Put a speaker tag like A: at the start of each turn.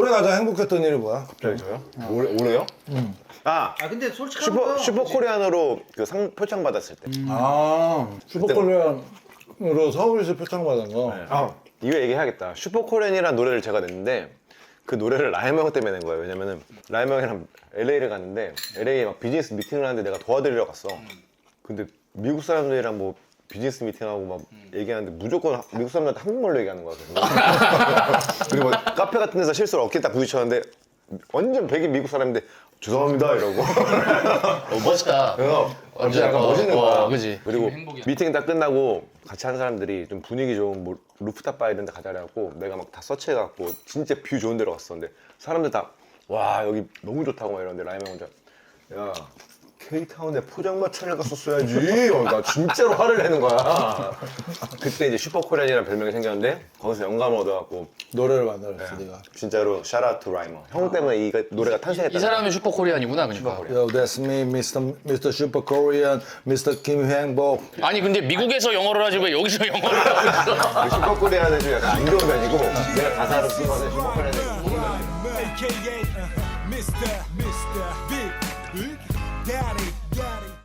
A: 올해 가장 행복했던 일이 뭐야?
B: 갑자기 저요? 올해요? 아
C: 근데 솔직하게
B: 슈퍼 코리안으로 그 상 표창 받았을 때.
A: 슈퍼콜리안으로 서울에서 표창받은 거.
B: 아 이거 얘기해야겠다. 슈퍼 코리안이라는 노래를 제가 냈는데 그 노래를 라이머 형 때문에 낸 거예요. 왜냐면은 라이머 형이랑 LA를 갔는데 LA에 막 비즈니스 미팅을 하는데 내가 도와드리러 갔어. 근데 미국 사람들이랑 뭐 비즈니스 미팅하고 막 얘기하는데 무조건 미국 사람들한테 한국말로 얘기하는 거야. 그리고 막 카페 같은 데서 실수로 어깨 딱 부딪혔는데 완전 백인 미국 사람인데 죄송합니다 이러고.
D: 멋있다.
B: 완전 약간 멋있는 거야.
D: 그지.
B: 그리고
D: 행복이야.
B: 미팅 딱 끝나고 같이 한 사람들이 좀 분위기 좋은 뭐 루프탑 바 이런 데 가자라고 내가 막 다 서치해갖고 진짜 뷰 좋은 데로 갔었는데 사람들 다 와 여기 너무 좋다고 막 이러는데 라이언 혼자 야 K타운에 포장마차를 갔었어야지. 나 진짜로 화를 내는 거야. 그때 이제 슈퍼코리안이라는 별명이 생겼는데 거기서 영감을 얻어갖고
A: 노래를 만들었어, 네가.
B: 진짜로 샤라웃 투 라이머 형 때문에 이 노래가 탄생했다.
D: 이 사람이 슈퍼 코리안이구나 그러니까.
A: Yo, that's me, Mr. Super Korean, Mr. 김행복.
D: 아니 근데 미국에서 영어를 하지 왜 여기서 영어를 하고 있어?
B: 슈퍼코리안은 좀 약간 안 좋은 편이고 내가 가사를 쓴 거는 슈퍼코리안은
E: AKA Mr. Big Daddy.